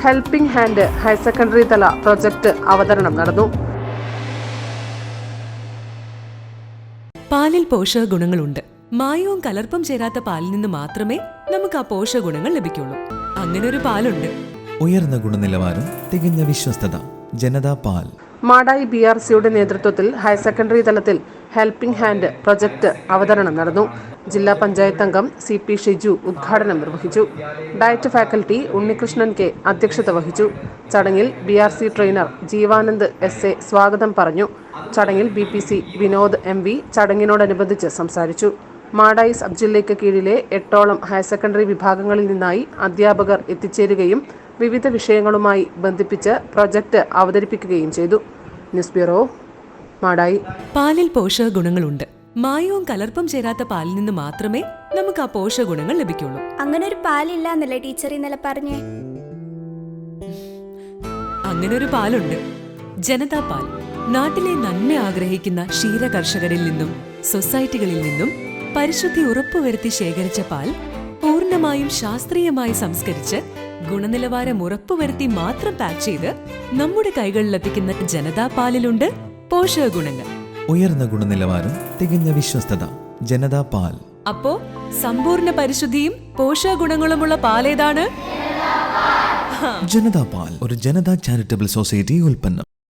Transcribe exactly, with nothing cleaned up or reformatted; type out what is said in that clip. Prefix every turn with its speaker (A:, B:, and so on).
A: Helping hand higher secondary തല project അവതരണം നടന്നു.
B: പാലിൽ പോഷക ഗുണങ്ങളുണ്ട്. മായവും കലർപ്പും ചേരാത്ത പാലിൽ നിന്ന് മാത്രമേ നമുക്ക് ആ പോഷക ഗുണങ്ങൾ ലഭിക്കുള്ളൂ. അങ്ങനെ ഒരു പാലുണ്ട്.
C: ഉയർന്ന ഗുണനിലവാരം, തികഞ്ഞ വിശ്വസ്തത. ജനതാ പാൽ.
A: മാടായി ബി ആർ സിയുടെ നേതൃത്വത്തിൽ ഹയർ സെക്കൻഡറി തലത്തിൽ ഹെൽപ്പിംഗ് ഹാൻഡ് പ്രൊജക്ട് അവതരണം നടന്നു. ജില്ലാ പഞ്ചായത്ത് അംഗം സി പി ഷിജു ഉദ്ഘാടനം നിർവഹിച്ചു. ഡയറ്റ് ഫാക്കൽറ്റി ഉണ്ണികൃഷ്ണൻ കെ അധ്യക്ഷത വഹിച്ചു. ചടങ്ങിൽ B R C trainer Jeevanand S A സ്വാഗതം പറഞ്ഞു. ചടങ്ങിൽ B P C Vinod M V ചടങ്ങിനോടനുബന്ധിച്ച് സംസാരിച്ചു. മാടായി സബ് ജില്ലയ്ക്ക് കീഴിലെ എട്ടോളം ഹയർ സെക്കൻഡറി വിഭാഗങ്ങളിൽ നിന്നായി അധ്യാപകർ എത്തിച്ചേരുകയും വിവിധ വിഷയങ്ങളുമായി ബന്ധിപ്പിച്ച് പ്രൊജക്ട് അവതരിപ്പിക്കുകയും ചെയ്തു. News bureau, Madayi.
B: പാലിൽ പോഷക ഗുണങ്ങളുണ്ട്. മായവും കലർപ്പും ചേരാത്ത പാലിൽ നിന്ന് മാത്രമേ നമുക്ക് ആ പോഷക ഗുണങ്ങൾ ലഭിക്കുള്ളൂ.
D: അങ്ങനെ ഒരു പാലില്ല എന്നല്ലേ ടീച്ചർ ഇന്നലെ പറഞ്ഞേ?
B: അങ്ങനെ ഒരു പാലുണ്ട്. ജനതാ പാൽ. നാട്ടിലെ നന്മ ആഗ്രഹിക്കുന്ന ക്ഷീര കർഷകരിൽ നിന്നും സൊസൈറ്റികളിൽ നിന്നും പരിശുദ്ധി ഉറപ്പുവരുത്തി ശേഖരിച്ച പാൽ പൂർണ്ണമായും ശാസ്ത്രീയമായി സംസ്കരിച്ച് ഗുണനിലവാരം ഉറപ്പുവരുത്തി മാത്രം പാക്ക് ചെയ്ത് നമ്മുടെ കൈകളിലെത്തിക്കുന്ന ജനതാ പാലിലുണ്ട് പോഷക ഗുണങ്ങൾ.
C: ഉയർന്ന ഗുണനിലവാരം, തികഞ്ഞ വിശ്വസ്തത. ജനതാ പാൽ.
B: അപ്പോ സമ്പൂർണ്ണ പരിശുദ്ധിയും പോഷക ഗുണങ്ങളുമുള്ള പാലേതാണ്?
C: ജനതാ പാൽ ഒരു ജനതാ ചാരിറ്റബിൾ സൊസൈറ്റി ഉൽപ്പന്നം.